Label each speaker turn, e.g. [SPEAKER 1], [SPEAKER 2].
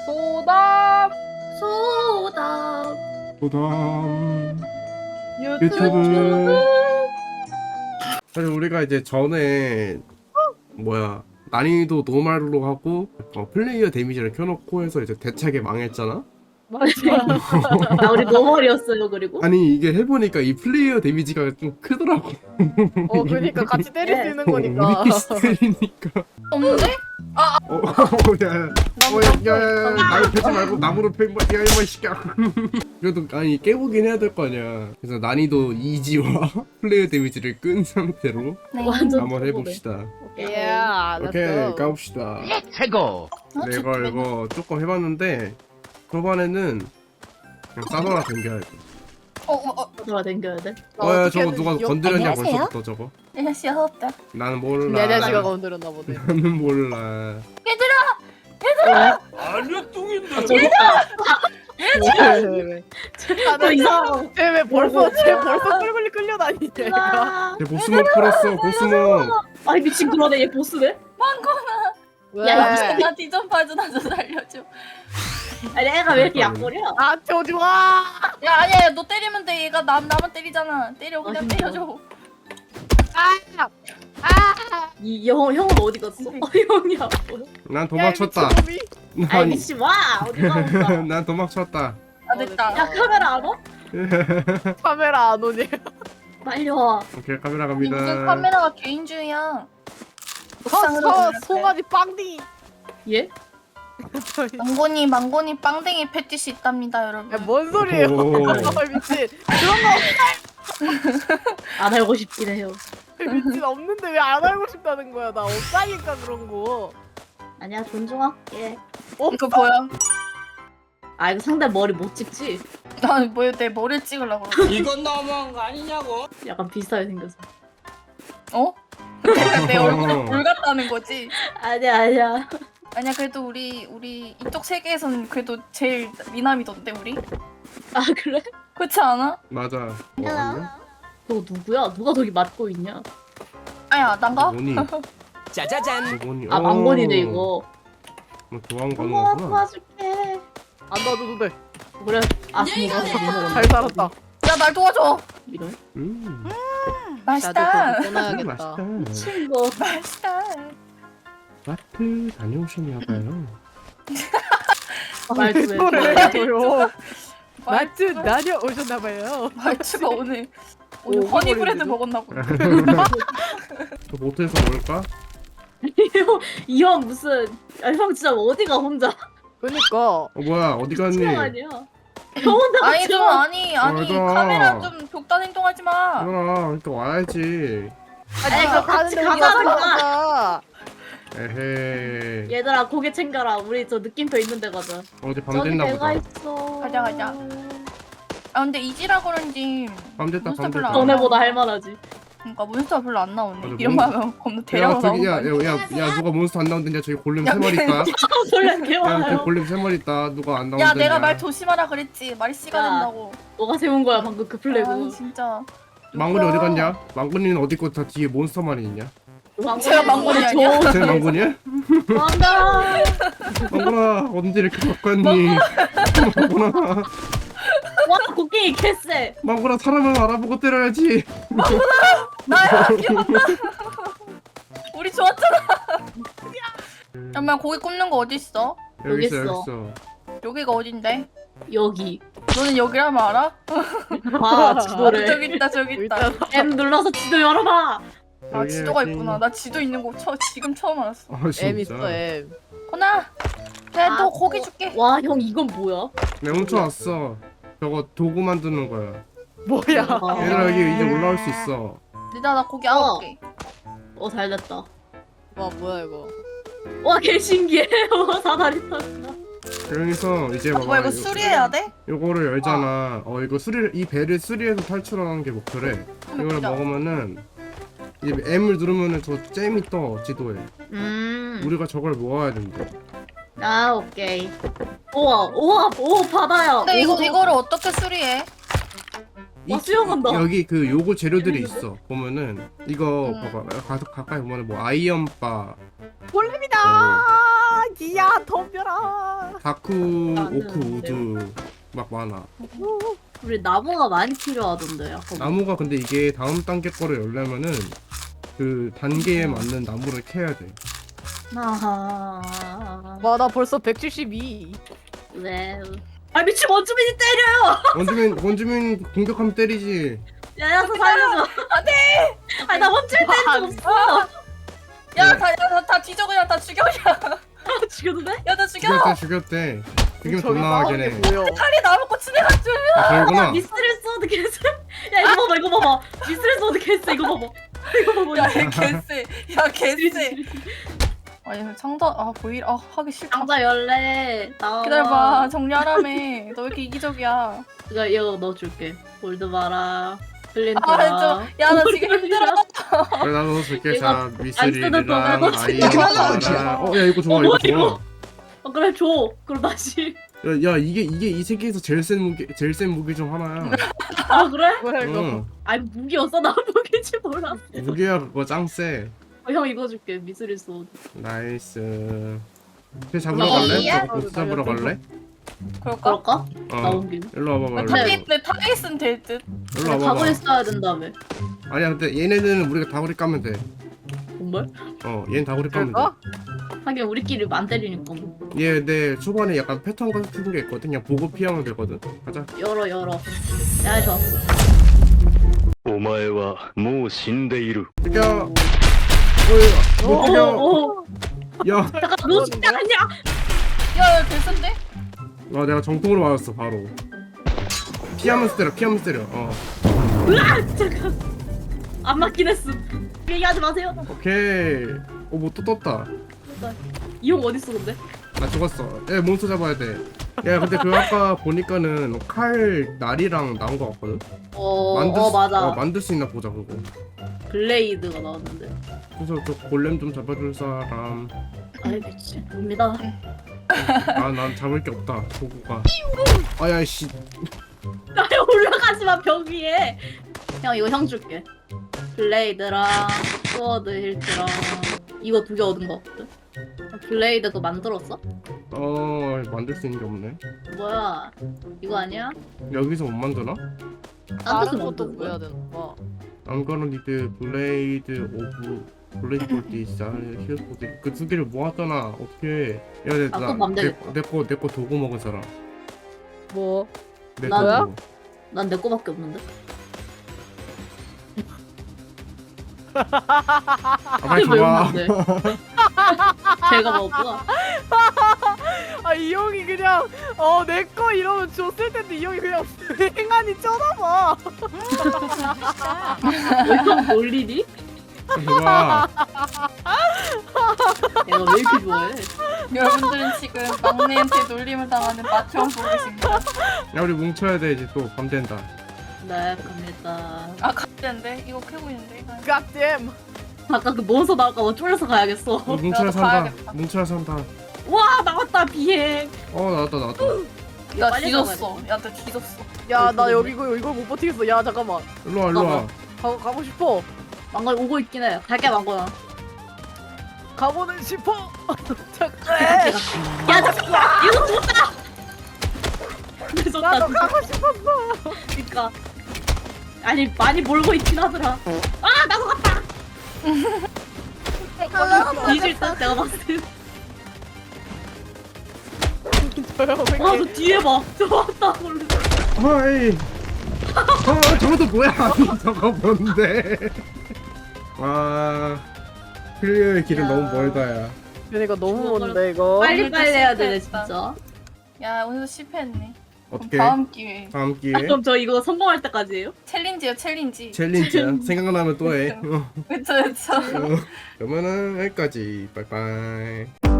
[SPEAKER 1] 소답
[SPEAKER 2] 소답
[SPEAKER 3] 도담
[SPEAKER 1] 유튜브.
[SPEAKER 3] 사실 우리가 이제 전에 뭐야 난이도 노말로 하고 플레이어 데미지를 켜놓고 해서 이제 대차게 망했잖아.
[SPEAKER 1] 맞아.
[SPEAKER 2] 아 우리 노멀이었어요. 그리고
[SPEAKER 3] 아니 이게 해보니까 이 플레이어 데미지가 좀 크더라고.
[SPEAKER 1] 그러니까 같이 때릴 수 있는 거니까.
[SPEAKER 3] 우리끼리 스타일이니까.
[SPEAKER 4] 없는데?
[SPEAKER 3] 야야야야 나무 패지 말고 나무로 패. 야 이마 시켜. 그래도 아니 깨보긴 해야 될 거 아니야. 그래서 난이도 이지와 플레이어 데미지를 끈 상태로
[SPEAKER 2] 완전
[SPEAKER 3] 한번 해봅시다.
[SPEAKER 1] 예.
[SPEAKER 3] 오케이 가봅시다.
[SPEAKER 4] 최고.
[SPEAKER 3] 네, 이거 조금 해봤는데 초반에는 그냥 싸돌아 댕겨야 돼.
[SPEAKER 2] 소답 댕겨야 돼.
[SPEAKER 3] 야 저거 누가 건드렸냐
[SPEAKER 4] 안녕하세요?
[SPEAKER 3] 벌써부터 저거.
[SPEAKER 4] 안녕하세요.
[SPEAKER 3] 나는 몰라.
[SPEAKER 1] 내 아저씨가 건드렸나 보네.
[SPEAKER 3] 나는 몰라.
[SPEAKER 1] 왜?
[SPEAKER 2] 너 이상.
[SPEAKER 1] 쟤왜 벌써 끌끌리 끌려다니냐?
[SPEAKER 2] 아,
[SPEAKER 3] 얘 보스몹 풀었어 보스몹.
[SPEAKER 2] 아이 미친 그러네. 얘 보스네.
[SPEAKER 1] 왜?
[SPEAKER 2] 야,
[SPEAKER 4] 나 뒤좀봐줘 나 좀 살려줘.
[SPEAKER 2] 아니 애가 왜 이렇게 약골이야?
[SPEAKER 1] 아, 저 좋아.
[SPEAKER 4] 야 아니야 너 때리면 돼. 얘가 나만 때리잖아. 때려 그냥
[SPEAKER 2] 진짜?
[SPEAKER 4] 때려줘.
[SPEAKER 1] 아,
[SPEAKER 2] 이 형은 어디 갔어? 형이 안 보여.
[SPEAKER 3] 난 도망쳤다.
[SPEAKER 2] 아이 미친 와 어디 가본다.
[SPEAKER 3] 난 도망쳤다.
[SPEAKER 4] 아 됐다.
[SPEAKER 2] 야 카메라 안 와?
[SPEAKER 1] 카메라 안 오니?
[SPEAKER 2] 빨리 와.
[SPEAKER 3] 오케이 카메라
[SPEAKER 4] 이
[SPEAKER 3] 갑니다.
[SPEAKER 4] 무슨 카메라가 개인주의야. 옥상으로 올라가요.
[SPEAKER 1] 송아지 빵딩이.
[SPEAKER 2] 얘?
[SPEAKER 4] 망고니 빵댕이 패티시 있답니다 여러분.
[SPEAKER 1] 야, 뭔 소리예요?
[SPEAKER 3] 오.
[SPEAKER 1] 아, 미친. 그런
[SPEAKER 2] 안 알고 싶긴 해요.
[SPEAKER 1] 거 미친 없는데 왜 안 알고 싶다는 거야? 나 없다니까 그런 거.
[SPEAKER 2] 아니야 존중할게.
[SPEAKER 4] 이거 보여?
[SPEAKER 2] 아 이거 상대 머리 못 찍지?
[SPEAKER 4] 나뭐내 머리를 찍으려고 그러지?
[SPEAKER 5] 이건 너무한 거 아니냐고?
[SPEAKER 2] 약간 비슷하게 생겼어.
[SPEAKER 4] 어? 그러니까 내 얼굴이 불 같다는 거지?
[SPEAKER 2] 아니야.
[SPEAKER 4] 아니야 그래도 우리 이쪽 세계에선 그래도 제일 미남이던데 우리?
[SPEAKER 2] 아 그래?
[SPEAKER 4] 그렇지 않아?
[SPEAKER 3] 맞아. 뭐 아니야?
[SPEAKER 2] 너 누구야? 누가 저기 맡고 있냐?
[SPEAKER 4] 아야 난가?
[SPEAKER 3] 뭐니?
[SPEAKER 5] 짜자잔.
[SPEAKER 3] 뭐니?
[SPEAKER 2] 아 망건이네 이거.
[SPEAKER 3] 뭐 도망 가는
[SPEAKER 2] 어머
[SPEAKER 3] 거구나.
[SPEAKER 2] 도와줄게.
[SPEAKER 1] 안 놔줘도 돼.
[SPEAKER 2] 그래. 아 이거
[SPEAKER 1] 잘 살았다.
[SPEAKER 4] 야 날 도와줘.
[SPEAKER 2] 이런
[SPEAKER 4] 맛있다.
[SPEAKER 1] 나도 그거 떠나야겠다.
[SPEAKER 3] 맛있다.
[SPEAKER 2] 미친 거.
[SPEAKER 4] 맛있다.
[SPEAKER 3] 마트 다녀오셨나봐요.
[SPEAKER 2] 말투 왜
[SPEAKER 1] 그래.
[SPEAKER 2] 그래?
[SPEAKER 1] 저요. 마트
[SPEAKER 4] 말투가-
[SPEAKER 1] 다녀오셨나봐요.
[SPEAKER 4] 말투가 오늘
[SPEAKER 1] 오,
[SPEAKER 4] 허니브레드
[SPEAKER 1] 허니브레드.
[SPEAKER 4] 먹었나 보다.
[SPEAKER 3] 저 모텔에서 먹을까?
[SPEAKER 2] 이 형 무슨? 형 진짜 어디가 혼자?
[SPEAKER 1] 그니까.
[SPEAKER 3] 뭐야 어디 갔니?
[SPEAKER 2] 친형 아니야? 형 혼자
[SPEAKER 4] 아니 좀 아니
[SPEAKER 3] 맞아.
[SPEAKER 4] 카메라 좀 독단 행동하지 마.
[SPEAKER 3] 그러니까 와야지.
[SPEAKER 2] 아니,
[SPEAKER 1] 네가
[SPEAKER 2] 그거 같이
[SPEAKER 1] 가는데
[SPEAKER 2] 가자는
[SPEAKER 1] 가자.
[SPEAKER 3] 에헤이.
[SPEAKER 2] 얘들아 고개 챙겨라. 우리 저 느낌표 있는 데 가자.
[SPEAKER 3] 어제 밤
[SPEAKER 2] 저기
[SPEAKER 3] 됐나
[SPEAKER 2] 배가
[SPEAKER 3] 보다.
[SPEAKER 2] 있어.
[SPEAKER 4] 가자. 아 근데 이지라 그런지
[SPEAKER 3] 밤 됐다
[SPEAKER 4] 몬스터
[SPEAKER 3] 밤
[SPEAKER 4] 별로
[SPEAKER 3] 됐다.
[SPEAKER 4] 안
[SPEAKER 2] 전에보다 할만하지.
[SPEAKER 4] 그러니까 몬스터가 별로 안 나오네.
[SPEAKER 3] 맞아,
[SPEAKER 4] 이런 말 하면 겁나 대량
[SPEAKER 3] 야 저기
[SPEAKER 4] 나오는 거 아니야?
[SPEAKER 3] 야 누가 몬스터 안 나온댔냐? 저기 골렘
[SPEAKER 4] 야,
[SPEAKER 3] 3마리 있다.
[SPEAKER 2] 원래 개
[SPEAKER 3] 야 저기
[SPEAKER 2] 많아요.
[SPEAKER 3] 골렘 3마리 있다. 누가 안 나온댔냐?
[SPEAKER 4] 야 내가 말 조심하라 그랬지. 말이 씨가
[SPEAKER 2] 야.
[SPEAKER 4] 된다고.
[SPEAKER 2] 너가 세운 거야 방금 그 플래그.
[SPEAKER 4] 아 진짜.
[SPEAKER 3] 망군이 어디 갔냐? 망군이는 어디 있고 다 뒤에 몬스터만 있냐?
[SPEAKER 4] 제가 망고니 아니야?
[SPEAKER 3] 쟤 망군이야?
[SPEAKER 2] 망가.
[SPEAKER 3] 망군아 언제 이렇게 바꿨니? 망군아
[SPEAKER 2] 와 곡괭이 개쎄.
[SPEAKER 3] 망군아 사람을 알아보고 때려야지.
[SPEAKER 4] 나야 기억나. 우리 좋았잖아. 잠깐만 고기 굽는 거 어디 있어?
[SPEAKER 3] 여기 있어
[SPEAKER 2] 있어.
[SPEAKER 3] 여기 있어.
[SPEAKER 4] 여기가 어딘데?
[SPEAKER 2] 여기.
[SPEAKER 4] 너는 여기라면 알아?
[SPEAKER 2] 봐 지도를.
[SPEAKER 4] 저기 있다 저기 있다.
[SPEAKER 1] 일단
[SPEAKER 2] M 눌러서 지도 열어봐.
[SPEAKER 4] 아
[SPEAKER 3] 여기,
[SPEAKER 4] 지도가
[SPEAKER 3] 여기.
[SPEAKER 4] 있구나. 나 지도 있는 거 지금 처음 알았어.
[SPEAKER 3] 아 진짜.
[SPEAKER 1] M 있어 M.
[SPEAKER 4] 호나. 내가
[SPEAKER 2] 아,
[SPEAKER 4] 너 고기 줄게.
[SPEAKER 2] 와 형 이건 뭐야?
[SPEAKER 3] 내가 훔쳐왔어. 저거 도구 만드는 거야.
[SPEAKER 1] 뭐야?
[SPEAKER 2] 아.
[SPEAKER 3] 얘들아 여기 이제 올라올 수 있어.
[SPEAKER 4] 내가 나 고기 9개.
[SPEAKER 2] 잘됐다.
[SPEAKER 1] 와 뭐야 이거?
[SPEAKER 2] 와 개 신기해. 와 사다리 탔다.
[SPEAKER 3] 여기서 이제
[SPEAKER 4] 아,
[SPEAKER 3] 봐봐.
[SPEAKER 4] 뭐야 이거 수리해야 돼?
[SPEAKER 3] 요거를 열잖아. 이거 이 배를 수리해서 탈출하는 게 목표래. 이거를
[SPEAKER 4] 보자.
[SPEAKER 3] 먹으면은 이 M을 누르면은 저 잼이 떠 지도에. 우리가 저걸 모아야 된대.
[SPEAKER 2] 아 오케이. 우와 바다야.
[SPEAKER 4] 근데
[SPEAKER 2] 오.
[SPEAKER 4] 이거를 어떻게 수리해?
[SPEAKER 2] 와, 수영한다.
[SPEAKER 3] 여기 그 요구 재료들이 있어. 보면은 이거
[SPEAKER 4] 응.
[SPEAKER 3] 봐봐. 가까이 보면은 뭐 아이언바,
[SPEAKER 1] 볼렘이다. 기야 덤벼라.
[SPEAKER 3] 다크
[SPEAKER 2] 나는
[SPEAKER 3] 오크 우드 막 많아.
[SPEAKER 2] 우리 나무가 많이 필요하던데 약간.
[SPEAKER 3] 나무가 근데 이게 다음 단계 거를 열려면은 그 단계에 맞는 나무를 캐야 돼.
[SPEAKER 2] 아하.
[SPEAKER 1] 와나 벌써 172.
[SPEAKER 2] 네. 아 미친 원주민이 때려요.
[SPEAKER 3] 원주민 공격하면 때리지.
[SPEAKER 2] 야야서 살려줘. 안돼. 아니 나 원주민 때린 적 없어.
[SPEAKER 4] 야다 뒤져 그냥 다 죽여 그냥.
[SPEAKER 2] 죽여도 돼?
[SPEAKER 4] 야다 죽여.
[SPEAKER 3] 죽였대. 죽이면
[SPEAKER 1] 저기
[SPEAKER 3] 돈 나가긴
[SPEAKER 1] 싸우는
[SPEAKER 3] 해.
[SPEAKER 1] 게 보여.
[SPEAKER 4] 칼이 나무고 치네가지고.
[SPEAKER 3] 아, 그러구나.
[SPEAKER 2] 미스트레스 어드 개쎄. 야 이거 봐봐 이거 봐봐. 미스트레스 어드 개쎄 이거 봐봐. 이거 봐봐.
[SPEAKER 4] 야 개쎄. 야 개쎄. 아니 창자 보일 하기 싫다.
[SPEAKER 2] 상자 열래. 나와.
[SPEAKER 4] 기다려봐 정리하라며. 너 왜 이렇게 이기적이야?
[SPEAKER 2] 이거 넣어줄게. 골드 봐라. 플린트.
[SPEAKER 4] 야나 지금 힘들어.
[SPEAKER 3] 그래 나도 줄게.
[SPEAKER 2] 이거
[SPEAKER 3] 자
[SPEAKER 2] 쓰는
[SPEAKER 3] 미스릴이랑
[SPEAKER 2] 동안
[SPEAKER 3] 아이랑 야 이거 좋아 이거 좋아.
[SPEAKER 2] 그래 줘. 그럼 다시.
[SPEAKER 3] 야 이게 이 세계에서 제일 센 무기 중 하나야.
[SPEAKER 2] 아 그래?
[SPEAKER 1] 뭐야 이거.
[SPEAKER 3] 응.
[SPEAKER 2] 아니 무기였어 나 무기인지 몰랐어.
[SPEAKER 3] 무기야 그거 짱 세.
[SPEAKER 2] 형 이거 줄게. 미스리스 어드.
[SPEAKER 3] 나이스. 쟤 잡으러
[SPEAKER 2] 어,
[SPEAKER 3] 갈래?
[SPEAKER 4] 야.
[SPEAKER 3] 보스 잡으러 갈래?
[SPEAKER 4] 그럴까?
[SPEAKER 2] 그럴까? 나온 김에.
[SPEAKER 3] 일로 와봐
[SPEAKER 2] 네.
[SPEAKER 3] 말로.
[SPEAKER 4] 내 타겟 있으면 될 듯.
[SPEAKER 3] 일로
[SPEAKER 2] 가고
[SPEAKER 3] 와봐.
[SPEAKER 2] 있어야 된다며.
[SPEAKER 3] 아니야 근데 얘네들은 우리가 다구리 까면 돼.
[SPEAKER 2] 정말?
[SPEAKER 3] 얘는 다구리 까면
[SPEAKER 1] 그럴까?
[SPEAKER 2] 하긴 우리끼리 안 때리니까 뭐.
[SPEAKER 3] 돼. 얘 근데 초반에 약간 패턴 같은 게 있거든. 그냥 보고 피하면 되거든. 가자.
[SPEAKER 2] 열어. 야 좋았어.
[SPEAKER 6] お前はもう死んでいる。
[SPEAKER 3] 야. 뭐 죽여.
[SPEAKER 2] 오.
[SPEAKER 3] 야.
[SPEAKER 2] 잠깐 너 진짜 아니야?
[SPEAKER 4] 야 개쓴데?
[SPEAKER 3] 와 내가 정통으로 맞았어 바로. 피하면서 때려.
[SPEAKER 2] 잠깐. 안 맞긴 했음. 얘기하지 마세요.
[SPEAKER 3] 오케이. 뭐 또 떴다.
[SPEAKER 2] 이 형 어딨어 근데?
[SPEAKER 3] 나 죽었어. 야 몬스터 잡아야 돼. 야 근데 그 아까 보니까는 칼 날이랑 나온 거 같거든.
[SPEAKER 2] 맞아.
[SPEAKER 3] 만들 수 있나 보자 그거.
[SPEAKER 2] 블레이드가 나왔는데.
[SPEAKER 3] 그래서 저 골렘 좀 잡아줄 사람.
[SPEAKER 2] 알겠지. 봅니다.
[SPEAKER 3] 난 잡을 게 없다. 도구가. 아야 씨.
[SPEAKER 2] 나 올라가지마 벽 위에. 형 이거 형 줄게. 블레이드랑 스워드 힐트랑 이거 2개 얻은 거 없거든? 블레이드 그거 만들었어?
[SPEAKER 3] 만들 수 있는 게 없네.
[SPEAKER 2] 뭐야 이거 아니야?
[SPEAKER 3] 여기서 못 만드나?
[SPEAKER 2] 딴 데서
[SPEAKER 1] 다른 것도
[SPEAKER 2] 만드는
[SPEAKER 1] 구해야
[SPEAKER 2] 거야?
[SPEAKER 1] 되는 거.
[SPEAKER 3] I'm gonna need blade of blade for this. here's for this. 그 2개를 모았잖아. 어떻게? 야,
[SPEAKER 2] 아, 그거 맘 되겠다.
[SPEAKER 3] 내거 도구 먹은 사람.
[SPEAKER 1] 뭐?
[SPEAKER 3] 내
[SPEAKER 2] 나야?
[SPEAKER 3] 도구.
[SPEAKER 2] 난 내 거밖에 없는데?
[SPEAKER 3] 빨리
[SPEAKER 2] 이게 왜
[SPEAKER 3] 줘봐.
[SPEAKER 2] 없는데? 제가 먹었구나.
[SPEAKER 1] 이 형이 그냥 내 거 이러면 줬을 텐데 이 형이 그냥 행안이 쳐다봐.
[SPEAKER 2] 왜 형 놀리니?
[SPEAKER 3] 줘봐.
[SPEAKER 2] 내가 왜 이렇게 좋아해?
[SPEAKER 4] 여러분들은 지금 막내한테 놀림을 당하는 마트형 보고 계십니다.
[SPEAKER 3] 야 우리 뭉쳐야 돼 이제 또 밤 된다.
[SPEAKER 2] 네 갑니다.
[SPEAKER 4] 갑자인데 이거 캐고 있는데.
[SPEAKER 1] 갓댐.
[SPEAKER 2] 아까 그 몬스터 나올까봐 쫄려서 가야겠어.
[SPEAKER 3] 뭉쳐야
[SPEAKER 4] 나도
[SPEAKER 3] 산다.
[SPEAKER 4] 가야겠다.
[SPEAKER 3] 뭉쳐야 산다.
[SPEAKER 2] 와 나왔다 비행.
[SPEAKER 3] 나왔다.
[SPEAKER 4] 나
[SPEAKER 2] 빨리
[SPEAKER 4] 뒤졌어.
[SPEAKER 2] 가봐야
[SPEAKER 4] 야 나 뒤졌어.
[SPEAKER 1] 야 나 여기 이걸 못 버티겠어. 야 잠깐만.
[SPEAKER 3] 일로 와.
[SPEAKER 1] 가고 싶어.
[SPEAKER 2] 망갈 오고 있긴 해. 갈게 망고야.
[SPEAKER 1] 가고는 싶어. 잠깐.
[SPEAKER 2] 야 잠깐. 이거 좋다. 근데 좋다.
[SPEAKER 1] 나도
[SPEAKER 2] 진짜.
[SPEAKER 1] 가고 싶었어.
[SPEAKER 2] 그니까. 아니 많이 몰고 있긴 하더라. 아 나도 갔다. 뒤질 듯 내가 봤을 때. 와저 뒤에 봐. 저 왔다 몰래.
[SPEAKER 3] 어이. 저것도 뭐야? 저거 뭔데? 와. 클리어의 길은
[SPEAKER 2] 야.
[SPEAKER 3] 너무 멀다야.
[SPEAKER 1] 그러니까 너무 먼데 이거.
[SPEAKER 2] 빨리 해야 되네
[SPEAKER 4] 실패했다.
[SPEAKER 2] 진짜.
[SPEAKER 4] 야 오늘도 실패했네.
[SPEAKER 3] 어떻게?
[SPEAKER 4] 다음 기회.
[SPEAKER 3] 다음 기회.
[SPEAKER 2] 그럼 저 이거 성공할 때까지예요?
[SPEAKER 4] 챌린지요 챌린지.
[SPEAKER 3] 챌린지야. 생각나면 또 해.
[SPEAKER 4] 그쵸.
[SPEAKER 3] 그러면은 여기까지. 빠이빠이.